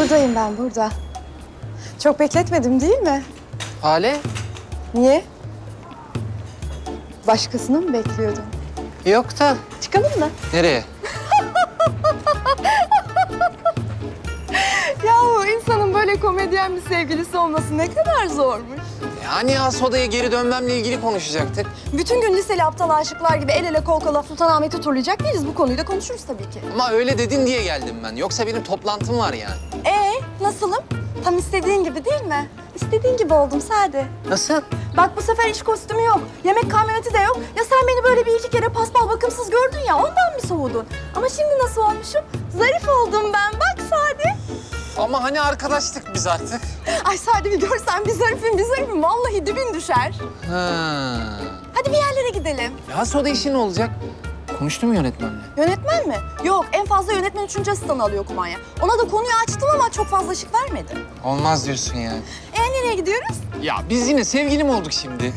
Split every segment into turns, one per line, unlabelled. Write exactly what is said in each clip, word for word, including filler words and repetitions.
Buradayım ben, burada. Çok bekletmedim değil mi?
Hale?
Niye? Başkasını mı bekliyordun?
Yok da.
Çıkalım mı?
Nereye?
Yahu insanın böyle komedyen bir sevgilisi olması ne kadar zormuş.
Yani has odaya geri dönmemle ilgili konuşacaktık.
Bütün gün liseli aptal aşıklar gibi el ele kol kola Sultanahmet'i turlayacak değiliz. Bu konuyu da konuşuruz tabii ki.
Ama öyle dedin diye geldim ben. Yoksa benim toplantım var yani.
Ee, nasılım? Tam istediğin gibi değil mi? İstediğin gibi oldum Sade.
Nasıl?
Bak bu sefer iş kostümü yok. Yemek kamyoneti de yok. Ya sen beni böyle bir iki kere paspal bakımsız gördün ya ondan mı soğudun? Ama şimdi nasıl olmuşum? Zarif oldum ben. Bak Sade.
Ama hani arkadaştık biz artık.
Ay Sade bir görsen bir zarifim bir zarifim. Vallahi dibin düşer.
Ha.
Hadi bir yerlere gidelim.
Ya has oda işi ne olacak? Konuştum mu yönetmenle?
Yönetmen mi? Yok en fazla yönetmen üçüncü asistanı alıyor kumanya. Ona da konuyu açtım ama çok fazla ışık vermedi.
Olmaz diyorsun yani.
E nereye gidiyoruz?
Ya biz yine sevgili mi olduk şimdi?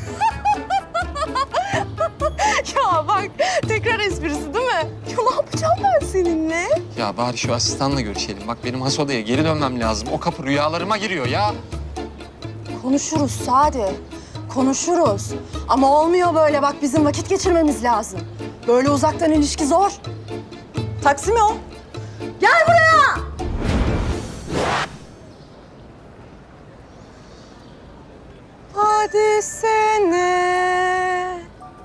Ya bak tekrar esprisi değil mi? Ya ne yapacağım ben seninle?
Ya bari şu asistanla görüşelim. Bak benim has odaya geri dönmem lazım. O kapı rüyalarıma giriyor ya.
Konuşuruz Sade. Konuşuruz. Ama olmuyor böyle bak bizim vakit geçirmemiz lazım. Böyle uzaktan ilişki zor. Taksi mi o? Gel buraya! Hadi sene.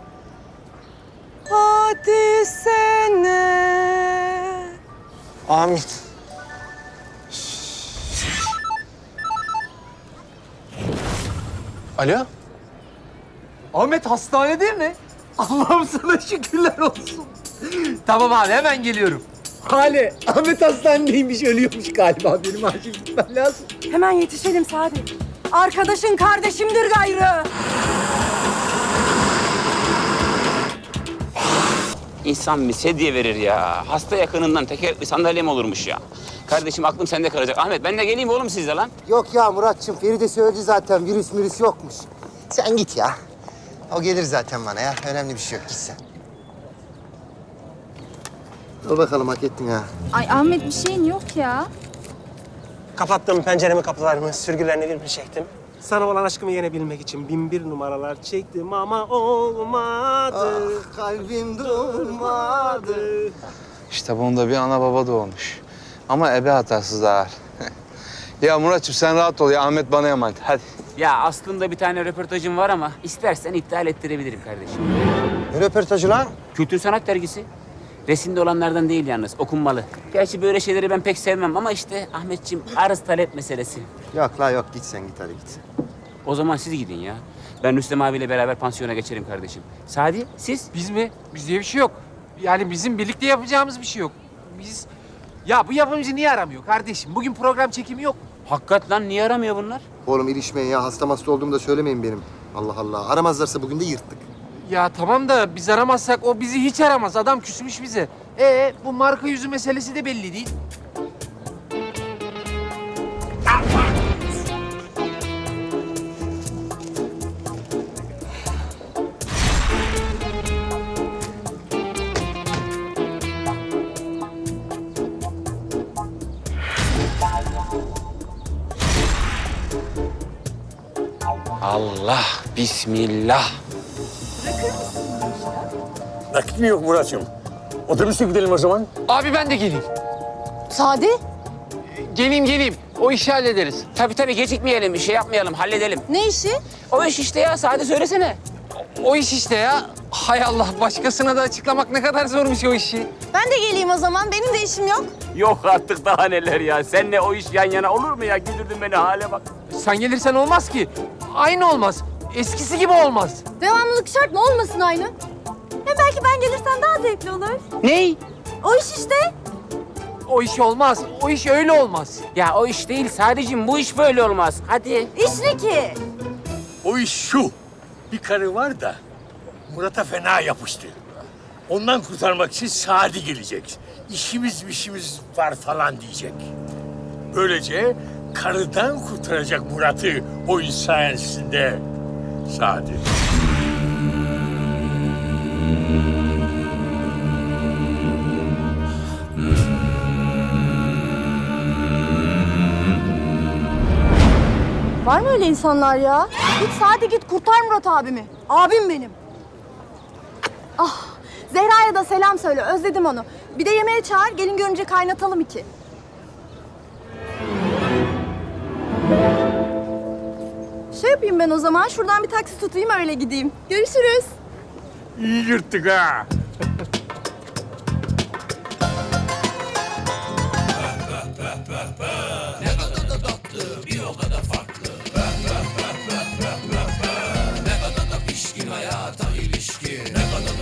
Hadi sene.
Amin.
Alo?
Ahmet hastanede mi? Allah'ım sana şükürler olsun. Tamam abi hemen geliyorum. Hale, Ahmet hastanedeymiş, ölüyormuş galiba. Benim acil gitmem lazım.
Hemen yetişelim Sade. Arkadaşın kardeşimdir gayrı.
İnsan bir sedye verir ya. Hasta yakınından tekerlekli sandalye mi olurmuş ya? Kardeşim aklım sende kalacak. Ahmet ben de geleyim oğlum sizle lan.
Yok ya Muratçım, Feride söyledi zaten virüs virüs yokmuş. Sen git ya. O gelir zaten bana ya. Önemli bir şey yok. Git sen. Dur bakalım hak ettin ha.
Ay Ahmet bir şeyin yok ya.
Kapattım penceremi, kapılarımı, sürgülerini bir bir çektim. Sana olan aşkımı yenebilmek için bin bir numaralar çektim ama olmadı.
Ah, kalbim durmadı.
İşte bunda bir ana baba doğmuş. Ama ebe hatasız ağır. Ya Muratçım sen rahat ol ya. Ahmet bana emanet. Hadi.
Ya aslında bir tane röportajım var ama istersen iptal ettirebilirim kardeşim.
Ne röportajı lan?
Kültür Sanat Dergisi. Resimde olanlardan değil yalnız, okunmalı. Gerçi böyle şeyleri ben pek sevmem ama işte Ahmetciğim arız talep meselesi.
Yok la yok. Git sen git hadi git.
O zaman siz gidin ya. Ben Rüstem abiyle beraber pansiyona geçerim kardeşim. Sadi, siz?
Biz mi? Bizde bir şey yok. Yani bizim birlikte yapacağımız bir şey yok. Biz... Ya bu yapımcı niye aramıyor kardeşim? Bugün program çekimi yok.
Hakikat lan niye aramıyor bunlar?
Oğlum ilişmeyin ya. Hasta hasta olduğumu da söylemeyin benim. Allah Allah. Aramazlarsa bugün de yırttık.
Ya tamam da biz aramazsak o bizi hiç aramaz. Adam küsmüş bize. Ee bu marka yüzü meselesi de belli değil.
Allah, bismillah.
Vakit mi yok Murat'cığım? Otobüse gidelim o zaman.
Abi ben de geleyim.
Sade?
Geleyim geleyim. O işi hallederiz.
Tabii tabii gecikmeyelim, bir şey yapmayalım, halledelim.
Ne işi?
O iş işte ya, Sadi söylesene.
O iş işte ya. Hay Allah başkasına da açıklamak ne kadar zormuş o işi.
Ben de geleyim o zaman. Benim de işim yok.
Yok artık daha neler ya. Seninle o iş yan yana olur mu ya? Güldürdün beni, hale bak.
Sen gelirsen olmaz ki. Aynı olmaz. Eskisi gibi olmaz.
Devamlılık şart mı olmasın aynı? Ya belki ben gelirsen daha zevkli olur.
Ney?
O iş işte.
O iş olmaz. O iş öyle olmaz.
Ya o iş değil sadece bu iş böyle olmaz. Hadi.
İş ne ki?
O iş şu. Bir karı var da Murat'a fena yapıştı. Ondan kurtarmak için Sadi gelecek. İşimiz işimiz var falan diyecek. Böylece karıdan kurtaracak Murat'ı oyun sayesinde Sadi.
Var mı öyle insanlar ya? Git Sadi git kurtar Murat abimi. Abim benim. Ah Zehra'ya da selam söyle. Özledim onu. Bir de yemeğe çağır. Gelin görünce kaynatalım iki. Şey yapayım ben o zaman. Şuradan bir taksi tutayım öyle gideyim. Görüşürüz.
İyi yırttık ha.